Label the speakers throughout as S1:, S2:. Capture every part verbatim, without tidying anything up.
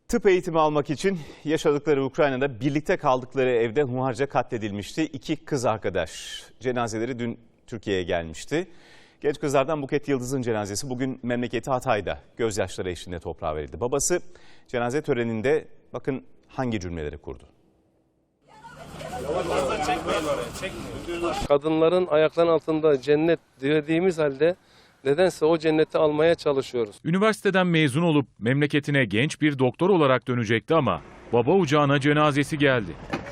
S1: Tıp eğitimi almak için yaşadıkları Ukrayna'da birlikte kaldıkları evde hunharca katledilmişti. İki kız arkadaş cenazeleri dün Türkiye'ye gelmişti. Genç kızlardan Buket Yıldız'ın cenazesi bugün memleketi Hatay'da gözyaşları eşliğinde toprağa verildi. Babası cenaze töreninde bakın hangi cümleleri kurdu.
S2: Kadınların ayaklarının altında cennet dilediğimiz halde nedense o cenneti almaya çalışıyoruz.
S3: Üniversiteden mezun olup memleketine genç bir doktor olarak dönecekti ama baba ocağına cenazesi geldi.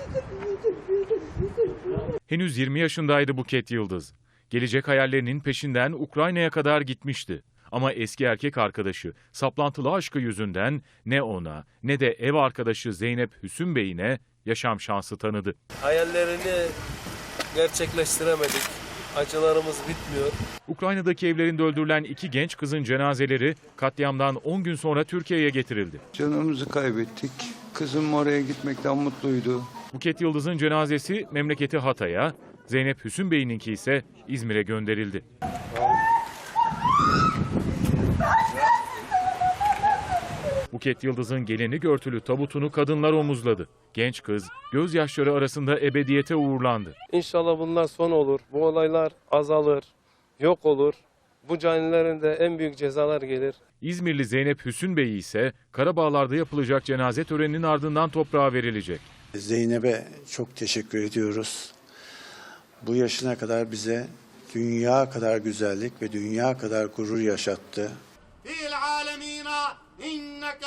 S3: Henüz yirmi yaşındaydı Buket Yıldız. Gelecek hayallerinin peşinden Ukrayna'ya kadar gitmişti. Ama eski erkek arkadaşı saplantılı aşkı yüzünden ne ona ne de ev arkadaşı Zeynep Hüsün Bey'ine yaşam şansı tanıdı.
S2: Hayallerini gerçekleştiremedik. Acılarımız bitmiyor.
S3: Ukrayna'daki evlerinde öldürülen iki genç kızın cenazeleri katliamdan on gün sonra Türkiye'ye getirildi.
S4: Canımızı kaybettik. Kızım oraya gitmekten mutluydu.
S3: Buket Yıldız'ın cenazesi memleketi Hatay'a, Zeynep Hüsün Bey'inki ise İzmir'e gönderildi. Buket Yıldız'ın gelenek örtülü tabutunu kadınlar omuzladı. Genç kız gözyaşları arasında ebediyete uğurlandı.
S2: İnşallah bunlar son olur. Bu olaylar azalır, yok olur. Bu canilerin de en büyük cezalar gelir.
S3: İzmirli Zeynep Hüsün Bey ise Karabağlar'da yapılacak cenaze töreninin ardından toprağa verilecek.
S5: Zeynep'e çok teşekkür ediyoruz. Bu yaşına kadar bize dünya kadar güzellik ve dünya kadar gurur yaşattı.